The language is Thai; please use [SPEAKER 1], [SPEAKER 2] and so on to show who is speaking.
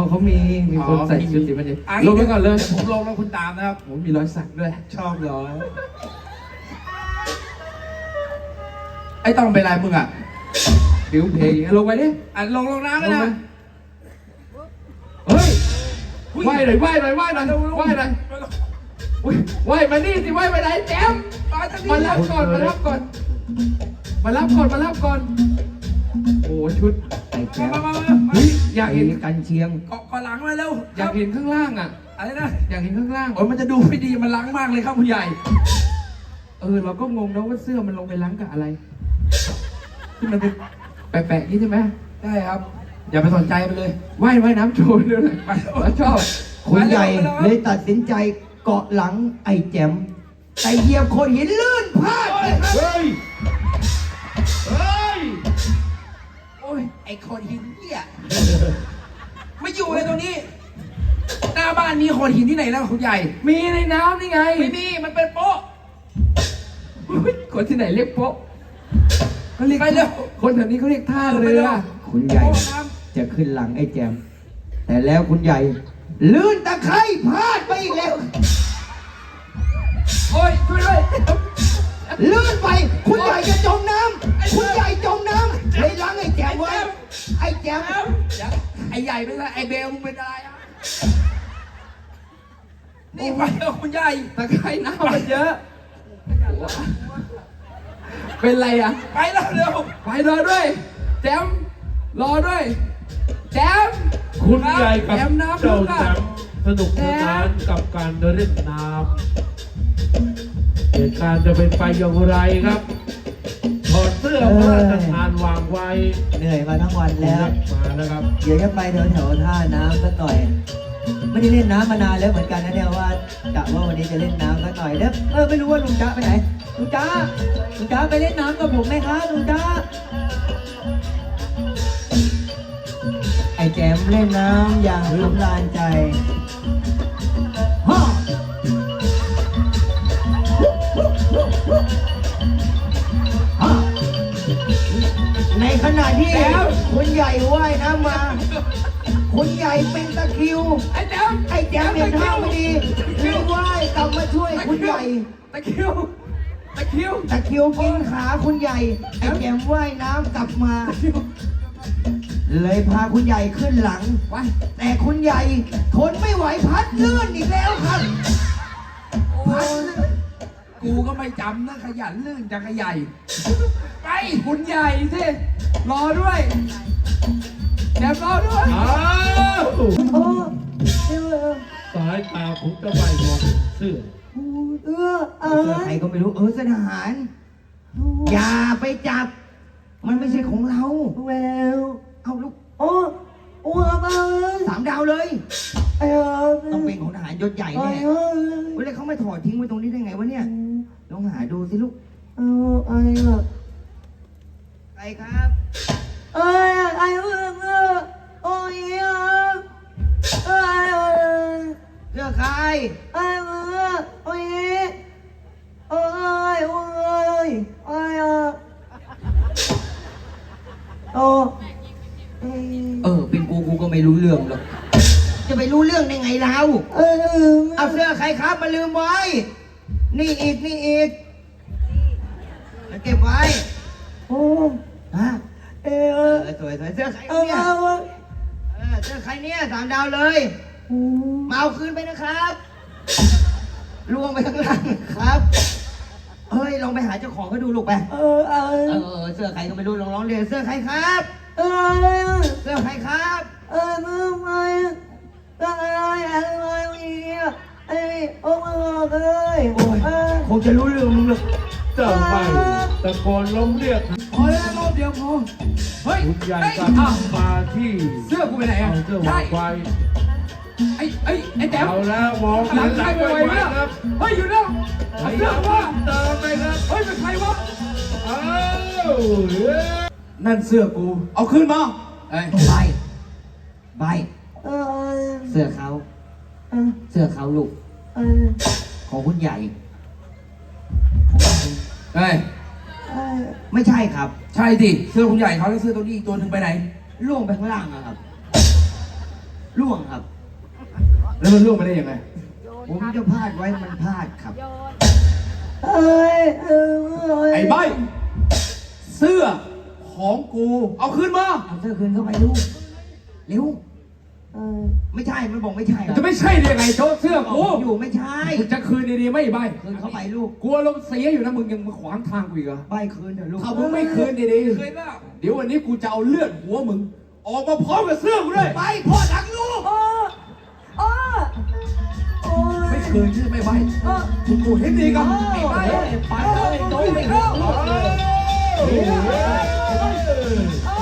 [SPEAKER 1] เขามีคนใส่ชุดสีมันเย็นลงไปก่อนเลย
[SPEAKER 2] ผมลงแล้วคุณตามนะครับ
[SPEAKER 1] ผมมีรอยสักด้วย
[SPEAKER 2] ชอบเหรอไอ้ต้องเป็นไรมึงอ่ะ
[SPEAKER 1] ผิวเพลงลงไปดิ
[SPEAKER 2] ลงน้ำเลยนะ
[SPEAKER 1] เฮ้ยไหวหน่อยไหวหน่อยไหวหน่อยไหวหน่อยไหวมานี่สิไหวไปไหนแจมมารับก่อนมารับก่อนมารับก่อนมารับก่อนโอ้ชุด
[SPEAKER 3] ไอ้แก้ว
[SPEAKER 1] เฮ้ยอยากเห็น
[SPEAKER 3] กันเชียง
[SPEAKER 2] เกาะหลังมาเร็ว
[SPEAKER 1] อยากเห็นข้างล่างอ่ะ
[SPEAKER 2] อะไรนะ
[SPEAKER 1] อยากเห็นข้างล่าง
[SPEAKER 2] โอ้ยมันจะดูไม่ดีมันล้างมากเลยครับคุณใหญ่
[SPEAKER 1] เราก็งงนะว่าเสื้อมันลงไปล้างกับอะไรที่มันเป็นแปะๆนี่ใช่ไหม
[SPEAKER 2] ได้ครับอย่าไปสนใจมันเลย
[SPEAKER 1] ว่ายน้ำโชว์ด้วยชอบ
[SPEAKER 3] คุณใหญ่เลยตัดสินใจเกาะหลังไอ้แจมแต่เหยียบโขดหินลื่นพลาด
[SPEAKER 2] เฮ้ยโอ้ยไอ้โขดหินเนี่ยไม่อยู่เลยตรงนี้หน้าบ้านมีโขดหินที่ไหนแล้วคุณใหญ่
[SPEAKER 1] มีในน้ำนี่ไง
[SPEAKER 2] ไม่มีมันเป็นโป๊ะ
[SPEAKER 1] คนที่ไหนเรียกโป๊ะเขาเรียก
[SPEAKER 2] ไปเร็ว
[SPEAKER 1] คนแถวนี้เขาเรียกท่าเรือ
[SPEAKER 3] คุณใหญ่จะขึ้นหลังไอ้แจมแต่แล้วคุณใหญ่ลื่นตะไคร่พลาดไปอีกแล้ว
[SPEAKER 1] โอ้ยช่วยด้วย
[SPEAKER 3] ลื่นไปคุณใหญ่จะจมน้ำคุณใหญ่จมน้ำเลยหลังไอ้แจมไว้ไอ้แจม
[SPEAKER 2] ไอ้ใหญ่เป็นไรไอ้เบลมึงเป็นอะไรอ่ะนี่ไปแล้วคุณใหญ่
[SPEAKER 1] ตะไคร่น้ำมันเยอะเป็นไรอ่ะ
[SPEAKER 2] ไปแล้วเร็ว
[SPEAKER 1] ไปรอด้วยแจมรอด้วยแจม
[SPEAKER 4] คุณใหญ่กับ
[SPEAKER 1] แจมน้ำ
[SPEAKER 4] เจ้า
[SPEAKER 1] ลูก
[SPEAKER 4] แจ
[SPEAKER 1] อ่ะ
[SPEAKER 4] มสนุกสนานกับการเดินเล่นน้ำเหตุการณ์จะเป็นไปอย่างไรครับถอดเสื้อพระราชทานวางไว้
[SPEAKER 3] เหนื่อยมาทั้งวันแล้ว
[SPEAKER 4] มาแล้วครับ
[SPEAKER 3] เดี๋ยวจะไปแถวๆท่าน้ำสักหน่อย ไม่ได้เล่นน้ำมานานแล้วเหมือนกันนะเนี่ยว่ากะว่าวันนี้จะเล่นน้ำสักหน่อยแล้วไม่รู้ว่าลุงจ๊ะไปไหนลุงจ๊ะไปเล่นน้ำกับผมไหมครับลุงจ๊ะไอ้แจมเล่นน้ำอย่างสำราญใจฮ่าฮ่าในขณะที่คุณใหญ่ว่ายน้ำมา คุณใหญ่เป็นตะคริว
[SPEAKER 1] ไอ้แจม
[SPEAKER 3] ไอ้แจมเห็นท่าไม่ดีเลยว่ายกลับมาช่วยคุณใหญ่
[SPEAKER 1] ตะคริวตะคริว
[SPEAKER 3] ตะคริวกินขาคุณใหญ่ ไอ้แจมว่ายน้ำกลับมา เลยพาคุณใหญ่ขึ้นหลัง
[SPEAKER 1] ไป
[SPEAKER 3] แต่คุณใหญ่ทนไม่ไหวพัดลื่นอีกแล้วครับพัดลื่น
[SPEAKER 2] กูก็ไม่จำนะขยันลื่นจังขใหญ่ไป
[SPEAKER 1] คุณใหญ่สิรอด้วยแจมรอด้วย
[SPEAKER 4] อ้าว
[SPEAKER 3] โอ้
[SPEAKER 4] สายตาผมจะไปมองเสื้อ
[SPEAKER 3] ใครก็ไม่รู้เสนทหาร อย่าไปจับ มันไม่ใช่ของเราแววเอาลูก3 ดาวเลยต้องเป็นของทหารยศใหญ่แน่แล้วเขาไม่ถอดทิ้งไว้ตรงนี้ได้ไงวะเนี่ยลองหาดูสิลูกใครครับเสื้อใครเป็นกูก็ไม่รู้เรื่องหรอกจะไปรู้เรื่องได้ไงเราเอาเสื้อใครครับมาลืมไว้นี่อีกเก็บไว้ฮะสวยเสื้อใครเนี่ยเสื้อใครเนี่ย3 ดาวเลยมาเอาคืนไปนะครับล่วงไปข้างล่างครับเฮ้ยลองไปหาเจ้าของเขาดูลูกไปเสื้อใครก็ไม่รู้ลองร้องเรียนเสื้อใครครับเสื้อใครครับคงจะรู้เรื่องมึงหรอก
[SPEAKER 4] เจ้าไปตะโกนล้มเรียก
[SPEAKER 1] พอแล้วรอบเดียวพอเฮ้ย
[SPEAKER 4] คุณใหญ่กับมาที่
[SPEAKER 1] เสื้อกูไปไหนอ่ะ
[SPEAKER 4] เอาเสื้อวางไว้
[SPEAKER 1] ไอ้แจม
[SPEAKER 4] เอาแล้วมอง
[SPEAKER 1] หลังใคร
[SPEAKER 4] ไป
[SPEAKER 1] ไปไหว
[SPEAKER 4] ไว้
[SPEAKER 1] เนี่ย
[SPEAKER 4] ครับ
[SPEAKER 1] เฮ้ยอยู่แล้ว
[SPEAKER 4] พ
[SPEAKER 1] เอา
[SPEAKER 4] ยา
[SPEAKER 1] เสื้
[SPEAKER 4] ยา
[SPEAKER 1] อ
[SPEAKER 4] ม
[SPEAKER 1] ว่า
[SPEAKER 4] เติมไปครับ
[SPEAKER 1] เฮ้ยเป็นใครวะ
[SPEAKER 4] อ้าว
[SPEAKER 1] นั่นเสื้อกูเอาคืนมาเอ้ย
[SPEAKER 3] ใบเสื้อเขาลูกของคุณใหญ่
[SPEAKER 1] เฮ้ย
[SPEAKER 3] ไม่ใช่ครับ
[SPEAKER 2] ใช่สิเสื้อคุณใหญ่เขาแล้วเสื้อตัวนี้อีกตัวหนึ่งไปไหน
[SPEAKER 3] ล่วงไปข้างล่างอะครับล่วงครับ
[SPEAKER 1] แล้วมันล่วงมาได้ยังไง
[SPEAKER 3] ผมจะพลาดไว้มันพลาดครับ
[SPEAKER 1] ไอ้ใบเสื้อของกู เอาคืนมา
[SPEAKER 3] เอาเสื้อคืนเข้าไปลูกเร็วไม่ใช่มันบอกไม่ใช่ค
[SPEAKER 1] มัน
[SPEAKER 3] รับ
[SPEAKER 1] จะไม่ใช่ได้ไงโจ๊กเสื้อกู
[SPEAKER 3] อยู่ไม่ใช่
[SPEAKER 1] มึงจะคืนดีๆไม่ใบ
[SPEAKER 3] คืนเข้าไปลูก
[SPEAKER 1] กลัวลมณ์เสียอยู่นะมึงยังมาขวางทางกูอีกเหรอ
[SPEAKER 3] ใบคืนเถอะลูก
[SPEAKER 1] ถ้ามึงไม่คืนดี
[SPEAKER 2] เคยเปล่า
[SPEAKER 1] ๆเดี๋ยววันนี้กูจะเอาเลือดหัวมึง ออกมาพร้อมกับเสื้อกูด้วย
[SPEAKER 3] ใบพ่อรักลูก
[SPEAKER 1] ไม่คืนใช่ไหมใบกูเห็นดีกันไอ้ใบไปเลยโจ๊กไปเลย